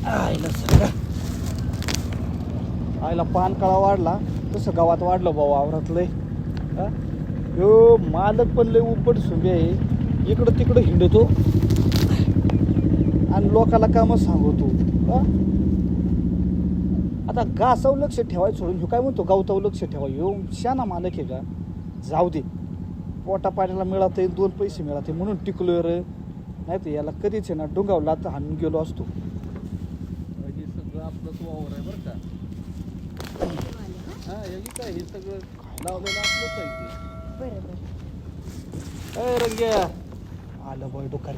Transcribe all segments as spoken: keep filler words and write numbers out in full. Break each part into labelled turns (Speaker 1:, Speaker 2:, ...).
Speaker 1: आईला सगळं आईला पान काळा वाढला तसं गावात वाढलं भाऊ वावरातलंय. हा? यो मालक पण लय उपट सुंबे आहे, इकडं तिकडं हिंडतो आणि लोकाला कामं सांगतो. हा? आता गासावर लक्ष ठेवायचं सोडून ह्यो काय म्हणतो गावतावर लक्ष ठेवा. ह्यो शाना मालक आहे का? जाऊ दे, पोटा पाण्याला मिळते दोन पैसे मिळते म्हणून टिकलोय रे, नाही तर याला कधीच आहे ना डोंगावला तर हाणून गेलो असतो.
Speaker 2: हे सगळं आपलंच वावर आहे बरं का. हा हे काय हे सगळं लावलेलं आपलंच आहे ते.
Speaker 3: बरोबर.
Speaker 1: ए रंग्या आलं बॉय डोकारी.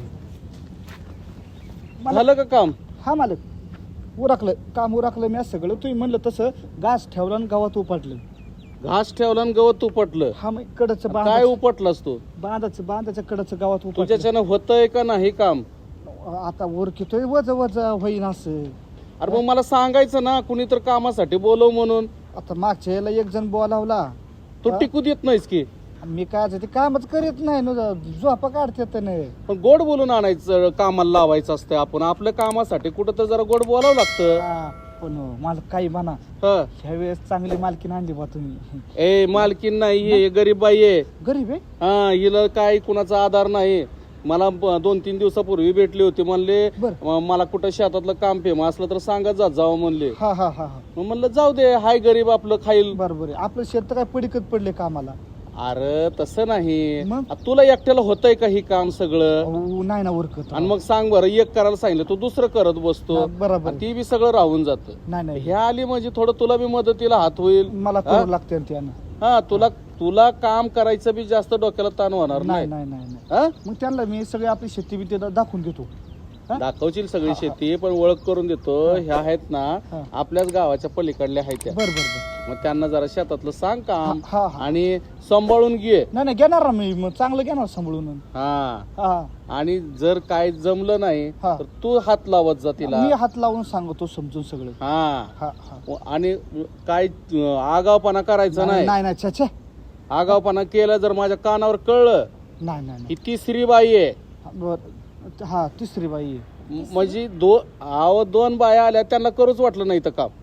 Speaker 2: झालं का काम?
Speaker 1: हा मालक उरकलं काम उरकलं मी सगळं. तुम्ही म्हणलं तसं घास ठेवला आणि गावात उपटलं.
Speaker 2: घास ठेवला आणि गवत उपटलं.
Speaker 1: हा मग कडचं
Speaker 2: काय
Speaker 1: बांध
Speaker 2: उपटलास तू?
Speaker 1: बांधाचं बांधाच्या कडचं गावात उपटलं.
Speaker 2: तुझ्याच्यानं होतंय का नाही काम?
Speaker 1: आता उरकितोय वज वज होईन असं.
Speaker 2: अरे मग मला सांगायचं ना कुणी तर कामासाठी बोलव म्हणून.
Speaker 1: आता मागच्या याला एक जण बोलावला,
Speaker 2: तू
Speaker 1: हा?
Speaker 2: टिकू देत नाहीस की.
Speaker 1: मी काय ते कामच करीत नाही न झोपा काढतेत नाही.
Speaker 2: पण गोड बोलून आणायचं, कामाला लावायचं असतं. आपण आपल्या कामासाठी कुठं तर जरा गोड बोलावं लागतं.
Speaker 1: हा, पण मला काही म्हणा
Speaker 2: हा.
Speaker 1: ह्या वेळेस चांगली मालकीन आणली बा तुम्ही.
Speaker 2: ए मालकीन नाही, हे गरीब बाई आहे.
Speaker 1: गरीब आहे.
Speaker 2: हा हिला काय कुणाचा आधार नाही. मला ब- दोन तीन दिवसापूर्वी भेटली होती, म्हणले
Speaker 1: बर.
Speaker 2: म- मला कुठं शेतातलं काम फेम असलं तर सांगत जात जावं म्हणले.
Speaker 1: हा हा हा हा
Speaker 2: मग म्हणलं जाऊ दे, हाय गरीब आपलं खाईल.
Speaker 1: बरोबर आहे. आपलं शेत तर काय पडिकत पडले कामाला.
Speaker 2: अरे तसं नाही.
Speaker 1: मग?
Speaker 2: आ, तुला एकट्याला होतंय का ही काम सगळं?
Speaker 1: अहो, नाही ना उरकत.
Speaker 2: आणि मग सांग बरं, एक करायला सांगितलं तू दुसरं करत बसतो.
Speaker 1: हा, बरोबर
Speaker 2: आणि ती बी सगळं राहून जात.
Speaker 1: नाही नाही
Speaker 2: ह्या आली म्हणजे थोडं तुला बी मदतीला हात होईल.
Speaker 1: मला
Speaker 2: हा?
Speaker 1: करू लागते त्यानं.
Speaker 2: हा तुला तुला काम करायचं बी जास्त डोक्याला ताण होणार
Speaker 1: नाही
Speaker 2: नाही.
Speaker 1: नाही नाही नाही.
Speaker 2: हा?
Speaker 1: मग त्यांना मी सगळी आपली शेती बिती दा- दाखवून देतो. हा?
Speaker 2: दाखवशील सगळी
Speaker 1: हा, हा.
Speaker 2: शेती, पण ओळख करून देतो. ह्या आहेत ना
Speaker 1: हा.
Speaker 2: आपल्याच गावाच्या पलीकडल्या आहेत त्या.
Speaker 1: बर बर बर.
Speaker 2: मग त्यांना जरा शेतातलं सांग काम
Speaker 1: हा, हा.
Speaker 2: आणि सांभाळून घे.
Speaker 1: नाही नाही घेणार ना मी, मग चांगलं घेणार सांभाळून.
Speaker 2: हा
Speaker 1: हा
Speaker 2: आणि जर काय जमलं नाही
Speaker 1: हा.
Speaker 2: तर तू हात लावत जा तिला.
Speaker 1: मी हात लावून सांगतो समजून सगळं.
Speaker 2: हा
Speaker 1: हा हा
Speaker 2: आणि काय अं, आगावपणा करायचा नाही.
Speaker 1: नाही नाही छे छे.
Speaker 2: आगावपणा केलं जर माझ्या कानावर कळलं
Speaker 1: नाही नाही
Speaker 2: ही तिसरी बाई आहे.
Speaker 1: नाही. बर हा तिसरी बाई आहे.
Speaker 2: म- म्हणजे दो आव दोन बाया आल्या त्यांना करूच वाटलं नाही तर काम.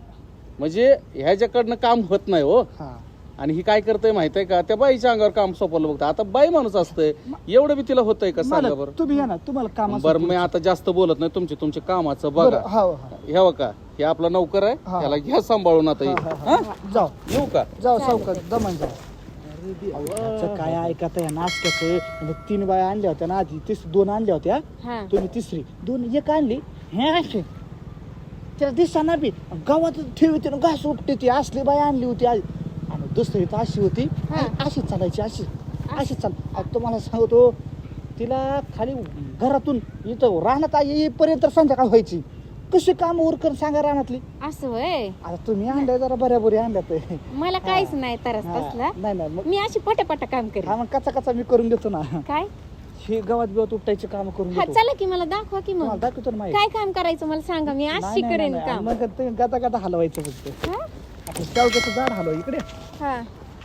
Speaker 2: म्हणजे ह्याच्याकडनं काम होत नाही हो.
Speaker 1: हा
Speaker 2: आणि ही काय करतय माहित आहे का, त्या बाईच्या अंगावर काम सोपवलं बघता. आता बाई माणूस असतंय, एवढं बी तिला होतंय का सांगा
Speaker 1: मालक,
Speaker 2: बरं.
Speaker 1: तुम्ही या ना, तुम्हाला काम
Speaker 2: बरं मी आता जास्त बोलत नाही, तुमचे तुमचे कामाचं बघा.
Speaker 1: बरं, हा हा
Speaker 2: ह्या का हे आपला नौकर आहे,
Speaker 1: हा.
Speaker 2: त्याला घ्या सांभाळून आता.
Speaker 1: हा,
Speaker 2: हे.
Speaker 1: हा,
Speaker 2: हा?
Speaker 1: हा. जाऊ
Speaker 2: येऊ का?
Speaker 1: जाऊ सावकाश दमन जाऊ. त्याचं काय ऐकत या नाचक्याचं. तीन बाया आणल्या होत्या ना आधी, तीस दोन आणल्या होत्या.
Speaker 3: हा.
Speaker 1: तुम्ही तिसरी दोन एक आणली. हे असे त्याला दिसताना बी गावात ठेवते ना घास उपटे ती असली बाई आणली होती आज. आणि दुसरी तर अशी होती,
Speaker 3: हा.
Speaker 1: अशीच चालायची, अशी अशीच चाल. आता तुम्हाला सांगतो, तिला खाली घरातून इथं राहण्यात येईपर्यंत संध्याकाळ व्हायची. कशी काम उरकून सांगा रानातली.
Speaker 3: असं होय.
Speaker 1: आता तुम्ही आणल्या जरा बऱ्याबरी आणल्यात.
Speaker 3: मला काहीच नाही तरस
Speaker 1: हा.
Speaker 3: तसला.
Speaker 1: नाही नाही मग
Speaker 3: मी अशी पटापटा काम करेन.
Speaker 1: हा मग कचा कचा मी करून देतो ना.
Speaker 3: काय?
Speaker 1: हे गावात बिवात उपटायचे काम करून
Speaker 3: हा
Speaker 1: देतो.
Speaker 3: चला की मला दाखवा की
Speaker 1: तुम्हाला
Speaker 3: मग
Speaker 1: दाखवतो ना माहिती.
Speaker 3: काय काम करायचं मला सांगा, मी
Speaker 1: नाही,
Speaker 3: अशी
Speaker 1: नाही,
Speaker 3: करेन
Speaker 1: नाही,
Speaker 3: काम.
Speaker 1: मग तुम्ही गाता गाता हलवायचं फक्त.
Speaker 3: हा?
Speaker 1: आपण शेवग्याचं झाड हलवा इकडे.
Speaker 3: हा.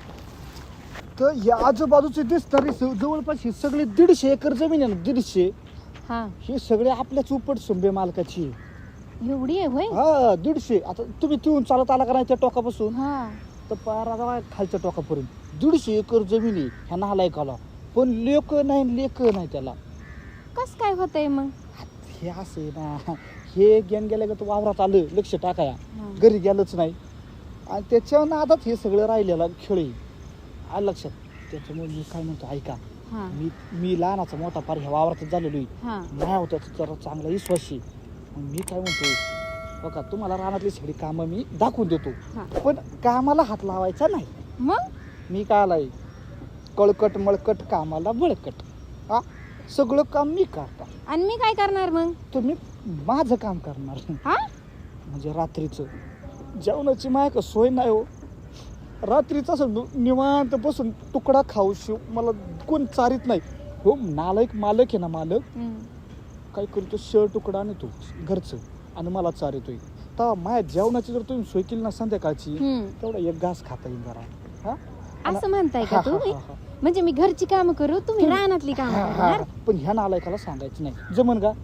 Speaker 1: तर या आजूबाजूचे दिसणारी स- जवळपास ही सगळी दीडशे एकर जमीन आहे ना, दीडशे.
Speaker 3: हा
Speaker 1: ही सगळे आपल्याच उपट सुंबे मालकाची आहे.
Speaker 3: एवढी आहे होय.
Speaker 1: हा दीडशे. आता तुम्ही तिथून चालत आला का नाही त्या टोकापासून
Speaker 3: हा.
Speaker 1: तर पारा जावा खालच्या टोकापर्यंत दीडशे एकर जमीन आहे ह्या नालायकाला. पण लेक नाही, लेक नाही त्याला.
Speaker 3: कस काय होतंय मग?
Speaker 1: हे असं आहे ना, हे गेन गेल्या का वावरात आलं लक्ष टाकाया,
Speaker 3: हा.
Speaker 1: घरी गेलंच नाही. आणि त्याच्या नादात हे सगळं राहिलेलं खेळ आहे. आलं लक्षात. त्याच्यामुळे मी काय म्हणतो ऐका,
Speaker 3: हा.
Speaker 1: मी मी लहानाचा मोठा पार ह्या वावरातच झालेलो आहे.
Speaker 3: हा.
Speaker 1: नाही होत जरा चांगला विश्वासी. मग मी काय म्हणतो बघा, तुम्हाला रानातली सगळी कामं मी दाखवून देतो,
Speaker 3: हा.
Speaker 1: पण कामाला हात लावायचा नाही.
Speaker 3: मग
Speaker 1: मी काय आलाय कळकट मळकट कामाला बळकट. हा सगळं काम मी करता,
Speaker 3: आणि मी काय करणार मग?
Speaker 1: तुम्ही माझं काम करणार.
Speaker 3: हा.
Speaker 1: म्हणजे रात्रीचं जेवणाची माय का सोय नाही हो. रात्रीचं असं नु- निवांत बसून तुकडा खाऊ शिव मला कोण चारित नाही हो. नालायक मालक आहे ना, मालक
Speaker 3: हम्म.
Speaker 1: काय करतो, शेळ तुकडा आणतो घरचं आणि मला चारितोय. तर माझ्या जेवणाची जर तुम्ही सोय केली ना संध्याकाळची,
Speaker 3: हम्म.
Speaker 1: तेवढा एक घास खाता येईल जरा. हा
Speaker 3: असं म्हणताय
Speaker 1: हा,
Speaker 3: का
Speaker 1: हा,
Speaker 3: तुम्ही?
Speaker 1: हा, हा.
Speaker 3: म्हणजे मी घरची काम करू, तुम्ही रानातली काम
Speaker 1: हा, हा.
Speaker 3: करणार?
Speaker 1: पण ह्या नालायकाला सांगायचं नाही. जमन का?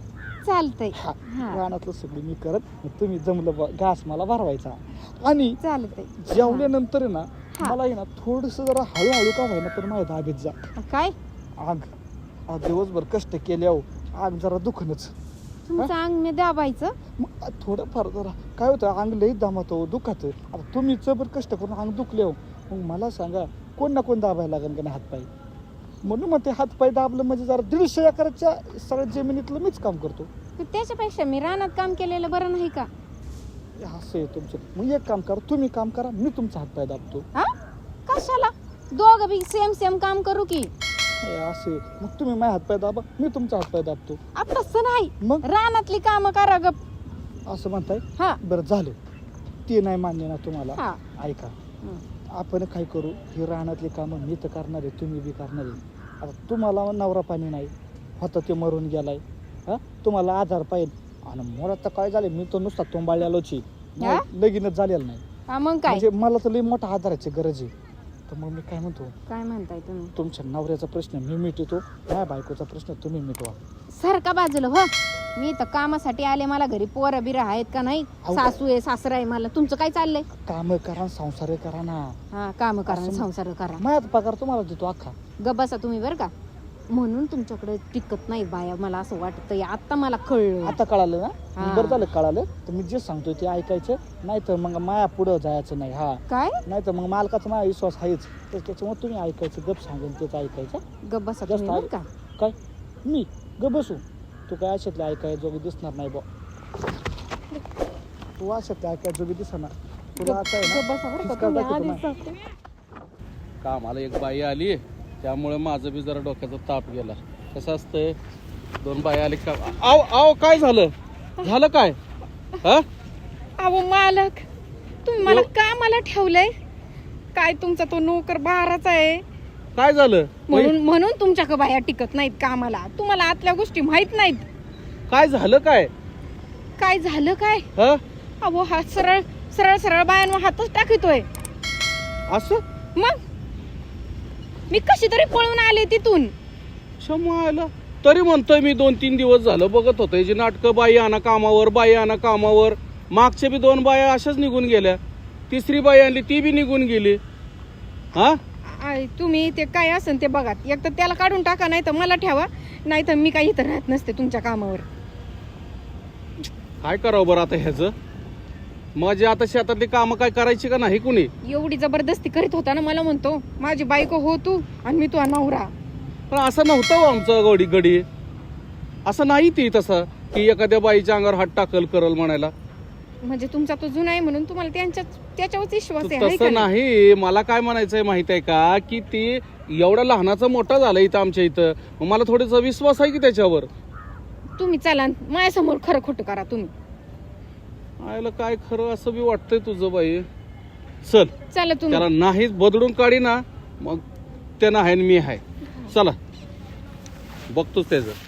Speaker 3: चालतंय
Speaker 1: हा
Speaker 3: हा.
Speaker 1: रानातलं सगळं मी करत मग तुम्ही जमलं बा- घास मला भरवायचा आणि
Speaker 3: चालतंय
Speaker 1: जेवल्यानंतर आहे ना
Speaker 3: हा.
Speaker 1: मला आहे ना थोडस जरा हळूहळू का व्हायना पण माझ्या दाबीत जा
Speaker 3: काय
Speaker 1: आग आज दिवसभर कष्ट केले अहो आग जरा दुखणच
Speaker 3: तुमचं अंग मी दाबायचं
Speaker 1: मग थोडंफार जरा काय होतं अंग लई दामत दुखात आता तुम्ही जबर कष्ट करून अंग दुखले हो मग मला सांगा कोण ना कोण दाबायला लागेल का नाही हातपाय म्हणून मग ते हातपाय दाबलं म्हणजे जरा दीडशे एकराच्या सगळ्या जमिनीतलं मीच काम करतो
Speaker 3: तर त्याच्यापेक्षा मी रानात काम केलेलं बरं नाही का
Speaker 1: असं आहे तुमचं मग एक काम करा तुम्ही काम करा मी तुमचा हातपाय दाबतो
Speaker 3: हा कशाला दोघं बी सेम सेम काम करू की
Speaker 1: हे असं आहे. मग तुम्ही माझ्या हातपाय दाबा मी तुमचा हातपाय दाबतो
Speaker 3: आता तसं नाही
Speaker 1: मग
Speaker 3: रानातली कामं करा गप
Speaker 1: असं म्हणताय
Speaker 3: हा
Speaker 1: बरं झालं ते नाही मान्य ना तुम्हाला
Speaker 3: हा
Speaker 1: ऐका
Speaker 3: हं.
Speaker 1: आपण काय करू ही रानातली कामं मी तर करणार आहे तुम्ही बी करणार आहे आता तुम्हाला नवरा पाणी नाही होता ते मरून गेलाय हा तुम्हाला आधार पाहिजे आणि मला तर काय झालं मी तर नुसता तोंबाळल्यालोची
Speaker 3: हा?
Speaker 1: लगीनच झालेलं नाही
Speaker 3: हा मग काय
Speaker 1: म्हणजे मला तर लई मोठा आधाराची गरज आहे तर मग मी काय म्हणतो
Speaker 3: काय म्हणताय तुम्ही
Speaker 1: तुमच्या नवऱ्याचा प्रश्न मी मिटवतो माझ्या बायकोचा प्रश्न तुम्ही मिटवा
Speaker 3: सारखा बाजूला हो मी तर कामासाठी आले मला घरी पोरं बिरं आहेत का नाही
Speaker 1: अहो.
Speaker 3: सासू आहे सासरा आहे मला तुमचं काय चाललंय
Speaker 1: काम करा संसार करा ना
Speaker 3: हा काम करा
Speaker 1: असं-
Speaker 3: संसार करा
Speaker 1: माझ्या पगार तुम्हाला देतो अख्खा
Speaker 3: गप बसा तुम्ही बरं का म्हणून तुमच्याकडे टिकत नाही बाया मला असं वाटतंय आता मला कळलं
Speaker 1: आता कळालं ना
Speaker 3: हा.
Speaker 1: बरं झालं कळालं तर मी जे सांगतोय ते ऐकायचं नाही तर मग माया पुढं जायचं नाही हा
Speaker 3: काय
Speaker 1: नाही तर मग मालकाचा माझा विश्वास आहेच तर त्याच्यामुळे तुम्ही ऐकायचं गप सांगून तेच ऐकायचं
Speaker 3: गप बसा
Speaker 1: जास्त
Speaker 3: तुम्ही बरं का
Speaker 1: काय मी ग बसू तू काय अशातले ऐकाय जोगी दिसणार नाही बा तू अशातले ऐकाय जोगी दिसणार तुला आता आहे
Speaker 3: गप
Speaker 1: ना
Speaker 3: बसा बरं का
Speaker 1: खिसका
Speaker 3: तुम्ही
Speaker 1: दाखवतो
Speaker 3: आधीच
Speaker 1: ना.
Speaker 3: सांगते.
Speaker 2: कामाला एक बाई आली त्यामुळे माझं बी जरा डोक्याचा ताप गेला कसं असतंय दोन बाई आली का आव आव काय झालं झालं काय हा
Speaker 4: अहो मालक तुम्ही मला कामाला ठेवलंय काय तुमचा तो नोकर बाराचा आहे
Speaker 2: काय झालं
Speaker 4: म्हणून म्हणून तुमच्याकडे बाया टिकत नाहीत कामाला तुम्हाला आतल्या गोष्टी माहित नाहीत
Speaker 2: काय झालं काय
Speaker 4: काय झालं काय
Speaker 2: हा
Speaker 4: अहो हा सरळ सरळ सरळ बायांवर हातच टाकतोय
Speaker 2: असं
Speaker 4: मग मी कशी तरी पळून आले तिथून
Speaker 2: क्षमा आला तरी म्हणतोय मी दोन तीन दिवस झालं बघत होतोय जी नाटकं बाई आणा कामावर बाई आणा कामावर मागच्या बी दोन बाया अशाच निघून गेल्या तिसरी बाई आणली ती बी निघून गेली हा
Speaker 4: आय, तुम्ही ते काय असेल ते बघा एक तर त्याला काढून टाका नाही तर मला ठेवा नाही तर मी काही इथं राहत नसते तुमच्या कामावर
Speaker 2: काय करावं बरं आता ह्याचं माझी आता शेतातली कामं काय करायची का नाही कुणी
Speaker 4: एवढी जबरदस्ती करीत होता ना मला म्हणतो माझी बायको हो तू आणि मी तुझा नवरा
Speaker 2: पण असं नव्हतं हो आमचं गडी गडी असं नाही ती तसं की एखाद्या बाईच्या अंगावर हात टाकल करल म्हणायला
Speaker 4: म्हणजे तुमचा तो जुना आहे म्हणून तुम्हाला त्यांच्या त्याच्यावरच विश्वास आहे हाय का
Speaker 2: तसं
Speaker 4: नाही?
Speaker 2: नाही मला काय म्हणायचंय माहित आहे का की ती एवढा लहानाचा मोठा झाला इथं आमच्या इथं मग मला थोडासा विश्वास आहे की त्याच्यावर
Speaker 4: तुम्ही चला माझ्यासमोर खरं खोटं करा तुम्ही
Speaker 2: आयला काय खरं असं बी वाटतंय तुझं बाई चल
Speaker 4: चला तुम्ही
Speaker 2: त्याला नाहीच बदलून काढी ना मग ते नाही मी आहे चला बघतोच त्याचं